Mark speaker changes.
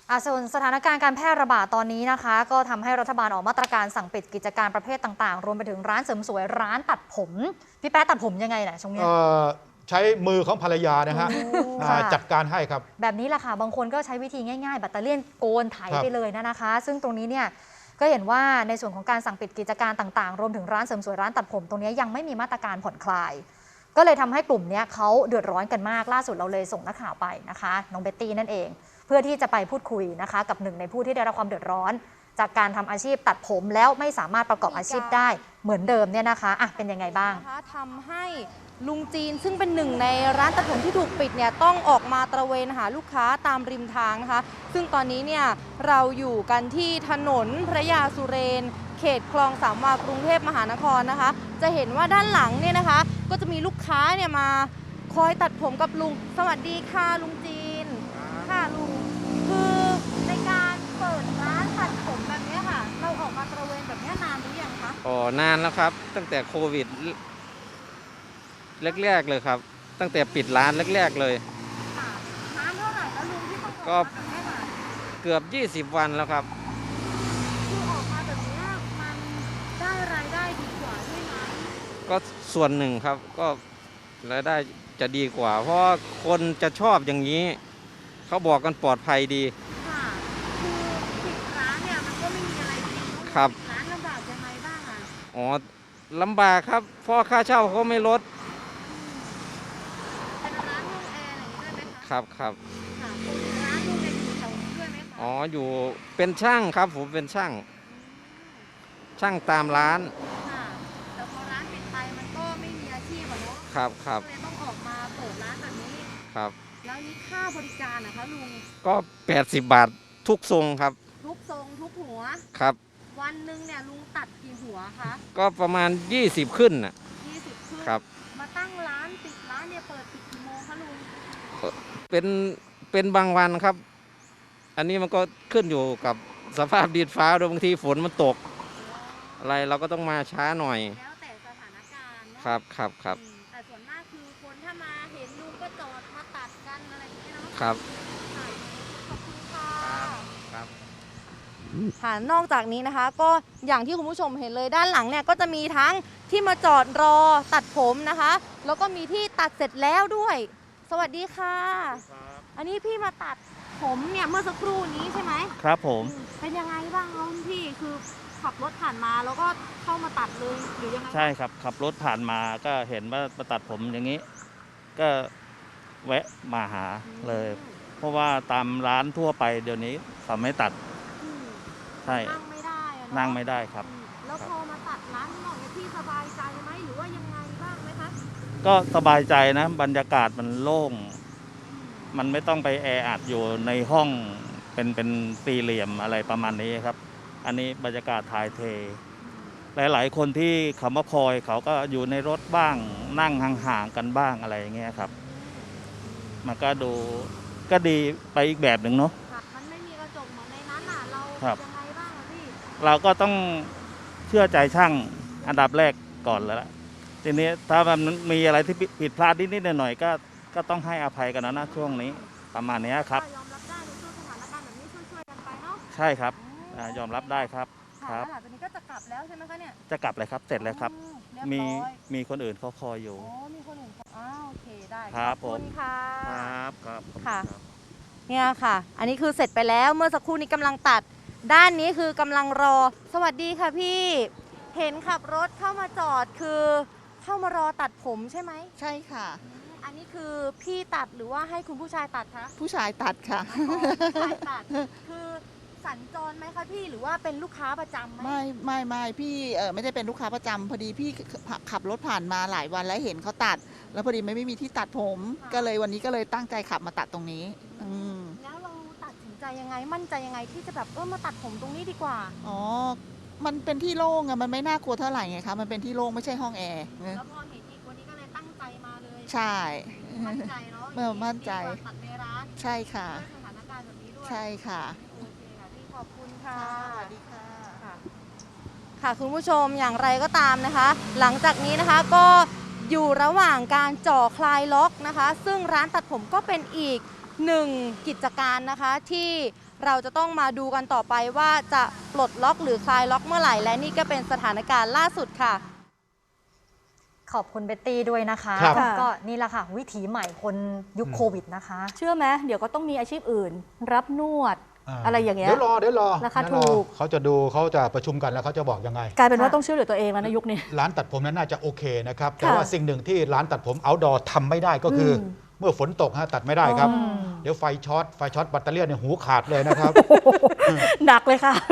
Speaker 1: ส่วนสถานการณ์การแพร่ระบาดตอนนี้นะคะก็ทำให้รัฐบาลออกมาตรการสั่งปิดกิจการประเภทต่างๆรวมไปถึงร้านเสริมสวยร้านตัดผมพี่แป๊ะตัดผมยังไงช่วงนี้
Speaker 2: ใช้มือของภรรยานะฮะจัดการให้ครับ
Speaker 1: แบบนี้แหละค่ะบางคนก็ใช้วิธีง่ายๆแบตเตอรี่โกนไถไปเลยนะคะ ซึ่งตรงนี้เนี่ยก็เห็นว่าในส่วนของการสั่งปิดกิจการต่างๆรวมถึงร้านเสริมสวยร้านตัดผมตรงนี้ยังไม่มีมาตรการผ่อนคลายก็เลยทำให้กลุ่มนี้เขาเดือดร้อนกันมากล่าสุดเราเลยส่งนักข่าวไปนะคะน้องเบ็ตตี้นั่นเองเพื่อที่จะไปพูดคุยนะคะกับหนึ่งในผู้ที่ได้รับความเดือดร้อนจากการทำอาชีพตัดผมแล้วไม่สามารถประกอบอาชีพได้เหมือนเดิมเนี่ยนะคะเป็นยังไงบ้าง
Speaker 3: ทำให้ลุงจีนซึ่งเป็นหนึ่งในร้านตัดผมที่ถูกปิดเนี่ยต้องออกมาตระเวนหาลูกค้าตามริมทางนะคะซึ่งตอนนี้เนี่ยเราอยู่กันที่ถนนพระยาสุเรนเขตคลองสามวากรุงเทพมหานครนะคะจะเห็นว่าด้านหลังเนี่ยนะคะก็จะมีลูกค้าเนี่ยมาคอยตัดผมกับลุงสวัสดีค่ะลุงจีนค่ะลุงคือในการเปิดร้านตัดผมแบบนี้ค่ะเราออกมาตระเวนแบบนี้นานหรือยังคะ
Speaker 4: นานแล้วครับตั้งแต่โควิดแรกๆเลยครับตั้งแต่ปิดร้านแรกๆเลย
Speaker 3: ร้านเท่าไหร่แล้วลุงที่ต้องออกมาแบบนี้ค่ะ
Speaker 4: เกือบ20 วันแล้วครับ
Speaker 3: คือออกมาแบบนี้มันได้รายได้ดีกว่าใช่ไหม
Speaker 4: ก็ส่วนหนึ่งครับก็รายได้จะดีกว่าเพราะคนจะชอบอย่างนี้เขาบอกกันปลอดภัยดี
Speaker 3: ค่ะคือปิดร้านเนี่ยมันก็ไม่มีอะไรดี
Speaker 4: ครับ
Speaker 3: ร้านลำบากยังไงบ้าง
Speaker 4: ลำบากครับเพราะค่าเช่าเขาไม่ลด
Speaker 3: เป็นร้านห้องแอร์อะไรอย่างนี้ด้วยไหมคะ
Speaker 4: ครับ
Speaker 3: ค่ะร้านห้องแอร์อยู่แถวนี้ด้วยไหมคะ
Speaker 4: อยู่เป็นช่างครับผมเป็นช่างตามร้าน
Speaker 3: ค่ะแต่พอร้านปิดไปมันก็ไม่มีอาชีพอะเนาะ
Speaker 4: ครับ
Speaker 3: ก็เลยต้องออกมาเปิดร้านแบบนี้
Speaker 4: ครับ
Speaker 3: แล้วนี่ค่าบริการนะคะลุง
Speaker 4: ก็80 บาททุกทรงครับ
Speaker 3: ทุกทรงทุกหัว
Speaker 4: ครับ
Speaker 3: วันหนึ่งเนี่ยลุงตัดกี่หัวคะ
Speaker 4: ก็ประมาณ20ขึ้นน่ะ
Speaker 3: 20ขึ้น
Speaker 4: ครับ
Speaker 3: มาตั้งร้านปิดร้านเนี่ยเปิดปิดกี่โมงคะลุง
Speaker 4: เป็นบางวันครับอันนี้มันก็ขึ้นอยู่กับสภาพดินฟ้าด้วยบางทีฝนมันตกอะไรเราก็ต้องมาช้าหน่อย
Speaker 3: แล้วแต่สถานการณ์
Speaker 4: ครับ
Speaker 3: แต่ส่วนมากคือคนถ้ามาเห็นลุงก็จอดมาตัดกันอะไรอย่างเงี้ยเนาะ
Speaker 4: ครับ
Speaker 3: ขอบคุณค่ะค่ะนอกจากนี้นะคะก็อย่างที่คุณผู้ชมเห็นเลยด้านหลังเนี่ยก็จะมีทั้งที่มาจอดรอตัดผมนะคะแล้วก็มีที่ตัดเสร็จแล้วด้วยสวัสดีค่ะอันนี้พี่มาตัดผมเนี่ยเมื่อสักครู่นี้ใช่ไหม
Speaker 5: ครับผม
Speaker 3: เป็นยังไงบ้างครับพี่คือขับรถผ่านมาแล้วก็เข้ามาตัดเลยหรือยังไง
Speaker 5: ใช่ครับขับรถผ่านมาก็เห็นว่ามาตัดผมอย่างนี้ก็แวะมาหาเลยเพราะว่าตามร้านทั่วไปเดี๋ยวนี้เขาไม่ตัดใช่
Speaker 3: นั่งไม่ได้
Speaker 5: นั่งไม่ได้ครับ
Speaker 3: แล้วพอมาตัดร้านนอกเนี่ยพี่สบายใจไหมหรือว่ายังไงบ้างไหมคะ
Speaker 5: ก็สบายใจนะบรรยากาศมันโล่งมันไม่ต้องไปแออัดอยู่ในห้องเป็นสี่เหลี่ยมอะไรประมาณนี้ครับอันนี้บรรยากาศถ่ายเทหลายๆคนที่เขามาคอยเขาก็อยู่ในรถบ้างนั่งห่างๆกันบ้างอะไรอย่างเงี้ยครับมันก็ดูก็ดีไปอีกแบบหนึ่งเนาะ
Speaker 3: มันไม่มีกระจกเหมือนในนั้นน่ะเรายังไงบ้างพี่
Speaker 5: เราก็ต้องเชื่อใจช่างอันดับแรกก่อนแล้วทีนี้ถ้ามันมีอะไรที่ผิดพลาดนิดๆหน่อยๆก็ต้องให้อภัยกันนะช่วงนี้ประมาณนี้ครับ
Speaker 3: ยอมรับได้ในช่วงสถานการณ์แบบนี้ช่วยกันไปเนาะ
Speaker 5: ใช่ครับยอมรับได้ครับ
Speaker 3: ครับตอนนี้ก็จะกลับแล้วใช่ไหมคะเนี่ย
Speaker 5: จะกลับเลยครับเสร็จแล้วครับมีคนอื่นเขาคอยอยู่
Speaker 3: มีคนอื่นโอเคได้
Speaker 5: ครับ
Speaker 3: ขอบคุณค่ะ
Speaker 5: ครับ
Speaker 3: ค่ะเนี่ยค่ะอันนี้คือเสร็จไปแล้วเมื่อสักครู่นี้กำลังตัดด้านนี้คือกำลังรอสวัสดีค่ะพี่เห็นขับรถเข้ามาจอดคือเข้ามารอตัดผมใช่ไหม
Speaker 6: ใช่ค่ะ
Speaker 3: อันนี้คือพี่ตัดหรือว่าให้คุณผู้ชายตัดคะ
Speaker 6: ผู้ชายตัดค่ะ
Speaker 3: ผู้ชายตัดคือสัญจรไหมคะพี่หรือว่าเป็นลูกค้าประจำไหม
Speaker 6: ไม่พี่ไม่ได้เป็นลูกค้าประจำพอดีพี่ขับรถผ่านมาหลายวันแล้วเห็นเขาตัดแล้วพอดีไม่มีที่ตัดผมก็เลยวันนี้ก็เลยตั้งใจขับมาตัดตรงนี้
Speaker 3: แล้วเราตัดสินใจยังไงมั่นใจยังไงที่จะแบบมาตัดผมตรงนี้ดีกว่า
Speaker 6: มันเป็นที่โล่งอะมันไม่น่ากลัวเท่าไหร่ไงคะมันเป็นที่โล่งไม่ใช่ห้องแอร์
Speaker 3: แล้วพอเห็นอีกวันนี้ก็เลยตั้งใจมาเลย
Speaker 6: ใช่
Speaker 3: มั่นใจเนาะ
Speaker 6: มั่นใจ
Speaker 3: ตัดในร้าน
Speaker 6: ใช่ค่ะ
Speaker 3: สถานการณ์แบบนี้ด้วย
Speaker 6: ใช่ค่ะ
Speaker 3: โอเคค่ะพี่ขอบคุณค่ะ
Speaker 6: สวัสดีค่ะ
Speaker 3: ค่ะคุณผู้ชมอย่างไรก็ตามนะคะหลังจากนี้นะคะก็อยู่ระหว่างการจ่อคลายล็อกนะคะซึ่งร้านตัดผมก็เป็นอีกหนึ่งกิจการนะคะที่เราจะต้องมาดูกันต่อไปว่าจะปลดล็อกหรือคลายล็อกเมื่อไหร่และนี่ก็เป็นสถานการณ์ล่าสุดค่ะ
Speaker 1: ขอบคุณเบตตี้ด้วยนะคะ
Speaker 2: ครับ
Speaker 1: ก็นี่แหละค่ะ วิถีใหม่คนยุคโควิดนะคะ
Speaker 7: เชื่อไหมเดี๋ยวก็ต้องมีอาชีพอื่น รับนวด อะไรอย่างเงี้ย
Speaker 2: เดี๋ยวรอ
Speaker 7: ราคา
Speaker 2: เดี๋ยวรอ
Speaker 7: ถูก
Speaker 2: เขาจะประชุมกันแล้วเขาจะบอกยังไง
Speaker 7: กลายเป็นว่า
Speaker 1: ค่ะ
Speaker 7: ต้องช่วยเหลือตัวเองแล้วในยุคนี้
Speaker 2: ร้านตัดผมนั้นน่าจะโอเคนะครับ แต่
Speaker 7: ค่ะ
Speaker 2: ว่าสิ่งหนึ่งที่ร้านตัดผม outdoor ทำไม่ได้ก็คืออเมื่อฝนตกตัดไม่ได้ครับ
Speaker 7: อ๋อ
Speaker 2: เดี๋ยวไฟช็อตแบตเตอรี่เนี่ยหูขาดเลยนะครับ
Speaker 7: หนักเลยค่ะ